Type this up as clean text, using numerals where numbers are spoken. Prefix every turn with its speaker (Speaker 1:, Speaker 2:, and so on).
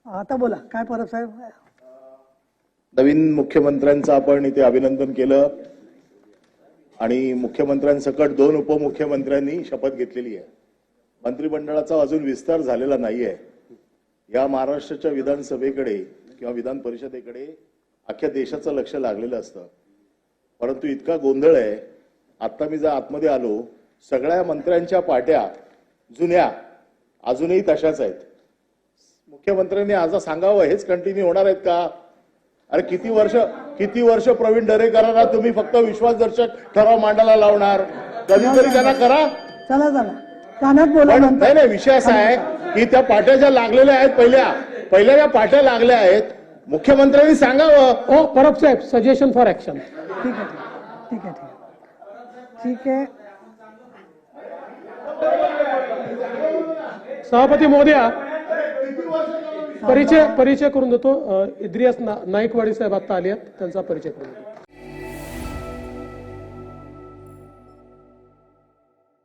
Speaker 1: आता बोला काय परब साहेब.
Speaker 2: नवीन मुख्यमंत्र्यांचं आपण इथे अभिनंदन केलं आणि मुख्यमंत्र्यांसकट 2 उपमुख्यमंत्र्यांनी शपथ घेतलेली आहे. मंत्रिमंडळाचा अजून विस्तार झालेला नाहीये. या महाराष्ट्राच्या विधानसभेकडे किंवा विधान परिषदेकडे अख्ख्या देशाचं लक्ष लागलेलं असतं. परंतु इतका गोंधळ आहे. आता मी जर आतमध्ये आलो, सगळ्या मंत्र्यांच्या पाट्या जुन्या अजूनही तशाच आहेत. मुख्यमंत्र्यांनी आज सांगावं हेच कंटिन्यू होणार आहेत का? अरे किती वर्ष प्रवीण दरेकरांना तुम्ही फक्त विश्वासदर्शक ठराव मांडायला लावणार? कधीतरी त्यांना करा.
Speaker 1: चला कानात बोला.
Speaker 2: नाही, विषय असा आहे की त्या पाट्या ज्या लागलेल्या आहेत पहिल्या ज्या पाट्या लागल्या आहेत, मुख्यमंत्र्यांनी सांगावं.
Speaker 3: ओ परब साहेब, सजेशन फॉर ऍक्शन.
Speaker 1: ठीक आहे.
Speaker 3: सभापती महोदया, परिचय करून देतो. इद्रियास नाईकवाडी साहेब आता आले आहेत, त्यांचा परिचय करून देतो.